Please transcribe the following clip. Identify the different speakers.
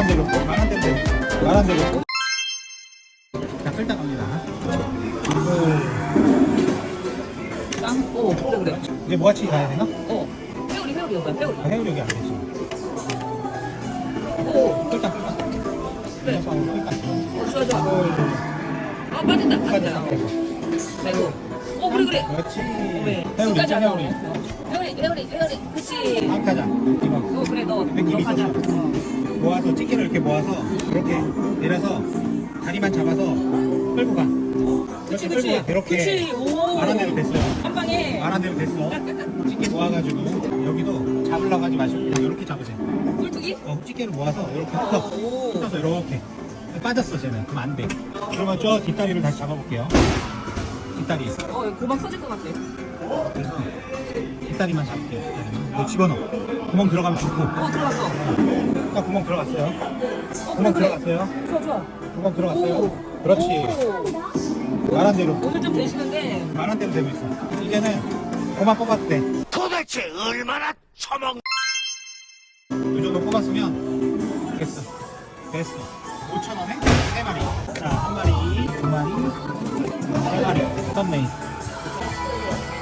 Speaker 1: 말한 대로 자, 끌다 갑니다.
Speaker 2: 오, 그래.
Speaker 1: 이제 뭐같이 가야 되나?
Speaker 2: 회오리 오빠, 회오리.
Speaker 1: 해우력이 안 되지.
Speaker 2: 오,
Speaker 1: 끌다.
Speaker 2: 그래.
Speaker 1: 끌다.
Speaker 2: 좋아. 빠진다. 아이고. 그래.
Speaker 1: 그렇지.
Speaker 2: 네.
Speaker 1: 해우리,
Speaker 2: 회오리. 그치.
Speaker 1: 안 가자. 이거.
Speaker 2: 그래, 너
Speaker 1: 느낌이
Speaker 2: 가자.
Speaker 1: 있었어. 모아서 찌개를 이렇게 모아서 이렇게 내려서 다리만 잡아서 끌고 가.
Speaker 2: 그치.
Speaker 1: 끌고 가. 이렇게
Speaker 2: 그치. 오.
Speaker 1: 말한 대로 됐어요.
Speaker 2: 한 방에.
Speaker 1: 말한 대로 됐어. 찌개 모아가지고 여기도 잡으려고 하지 마시고 그냥 이렇게 잡으세요.
Speaker 2: 꿀뚜기?
Speaker 1: 찌개를 모아서 이렇게
Speaker 2: 오.
Speaker 1: 흩어서 이렇게 빠졌어 쟤는. 그럼 안 돼. 그러면 저 뒷다리를 다시 잡아볼게요. 뒷다리.
Speaker 2: 고막 터질 것 같아.
Speaker 1: 그래서 뒷다리만 잡을게요. 뒷다리만. 이거 집어넣어. 구멍 들어가면 좋고.
Speaker 2: 들어갔어.
Speaker 1: 딱 구멍 들어갔어요. 구멍
Speaker 2: 그래.
Speaker 1: 들어갔어요.
Speaker 2: 좋아.
Speaker 1: 구멍 들어갔어요.
Speaker 2: 오.
Speaker 1: 그렇지.
Speaker 2: 오.
Speaker 1: 말한 대로.
Speaker 2: 오늘 좀 되시는데.
Speaker 1: 말한 대로 되고 있어. 이제는 그만 뽑아도 돼.
Speaker 3: 도대체 얼마나 처먹
Speaker 1: 이 정도 뽑았으면 됐어. 5,000원에 3마리. 자, 1마리, 2마리, 3마리. 떴네.